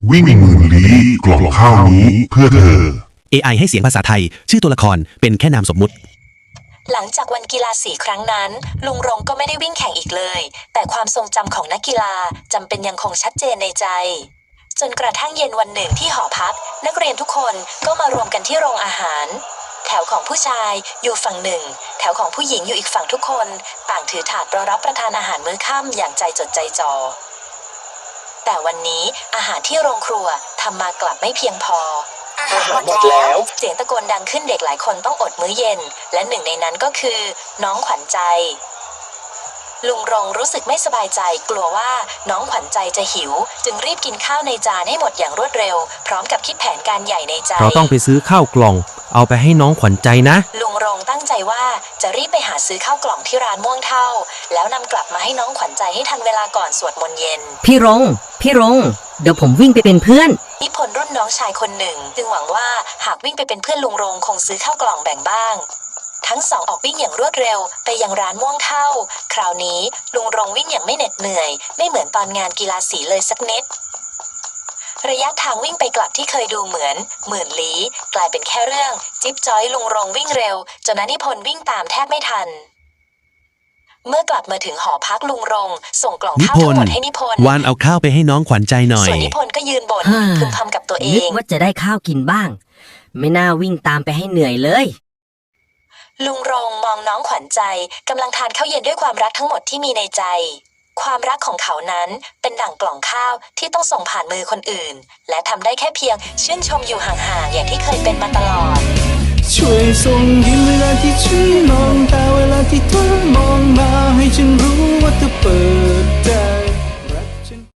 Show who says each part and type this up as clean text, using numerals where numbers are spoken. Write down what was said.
Speaker 1: วิ่งหมื่นลี้กล่องข้าวนี้เพื่อเธอ
Speaker 2: AI ให้เสียงภาษาไทยชื่อตัวละครเป็นแค่นามสมมุติ
Speaker 3: หลังจากวันกีฬาสีครั้งนั้นลุงรงก็ไม่ได้วิ่งแข่งอีกเลยแต่ความทรงจำของนักกีฬาจำเป็นยังคงชัดเจนในใจจนกระทั่งเย็นวันหนึ่งที่หอพักนักเรียนทุกคนก็มารวมกันที่โรงอาหารแถวของผู้ชายอยู่ฝั่งหนึ่งแถวของผู้หญิงอยู่อีกฝั่งทุกคนต่างถือถาดรอรับประทานอาหารมื้อค่ำอย่างใจจดใจจ่อแต่วันนี้อาหารที่โรงครัวทำมากลับไม่เพียงพอ
Speaker 4: อาหารหมดแล้ว
Speaker 3: เสียงตะโกนดังขึ้นเด็กหลายคนต้องอดมื้อเย็นและหนึ่งในนั้นก็คือน้องขวัญใจลุงรงรู้สึกไม่สบายใจกลัวว่าน้องขวัญใจจะหิวจึงรีบกินข้าวในจานให้หมดอย่างรวดเร็วพร้อมกับคิดแผนการใหญ่ในใจ
Speaker 5: เราต้องไปซื้อข้าวกล่องเอาไปให้น้องขวัญใจนะ
Speaker 3: ลุงรงตั้งใจว่าจะรีบไปหาซื้อข้าวกล่องที่ร้านม่วงเท่าแล้วนำกลับมาให้น้องขวัญใจให้ทันเวลาก่อนสวดมนต์เย็น
Speaker 6: พี่รงเดี๋ยวผมวิ่งไปเป็นเพื่อน
Speaker 3: นิพนธ์รุ่นน้องชายคนหนึ่งจึงหวังว่าหากวิ่งไปเป็นเพื่อนลุงรงคงซื้อข้าวกล่องแบ่งบ้างทั้งสองออกวิ่งอย่างรวดเร็วไปยังร้านม่วงเท่าคราวนี้ลุงรงวิ่งอย่างไม่เหน็ดเหนื่อยไม่เหมือนตอนงานกีฬาสีเลยสักนิดระยะทางวิ่งไปกลับที่เคยดูเหมือนหมื่นลี้กลายเป็นแค่เรื่องจิ๊บจ้อยลุงรงวิ่งเร็วจนนิพนธ์วิ่งตามแทบไม่ทันเมื่อกลับมาถึงหอพักลุงรงส่งกล่องข้าวทั้งหมดให้นิพนธ์
Speaker 2: วานเอาข้าวไปให้น้องขวัญใจหน่อย
Speaker 3: ส่วนนิพนธ์ก็ยืนบ่นพึมพำกับตัวเอง
Speaker 6: นึกว่าจะได้ข้าวกินบ้างไม่น่าวิ่งตามไปให้เหนื่อยเลย
Speaker 3: ลุงรงมองน้องขวัญใจกำลังทานข้าวเย็นด้วยความรักทั้งหมดที่มีในใจความรักของเขานั้นเป็นดั่งกล่องข้าวที่ต้องส่งผ่านมือคนอื่นและทำได้แค่เพียงชื่นชมอยู่ห่างๆอย่างที่เคยเป็นมาตลอด
Speaker 7: ช่วยส่งยิ้มเวลาที่ฉันมองตาเวลาที่เธอมองมาให้ฉันรู้ว่าเธอเปิด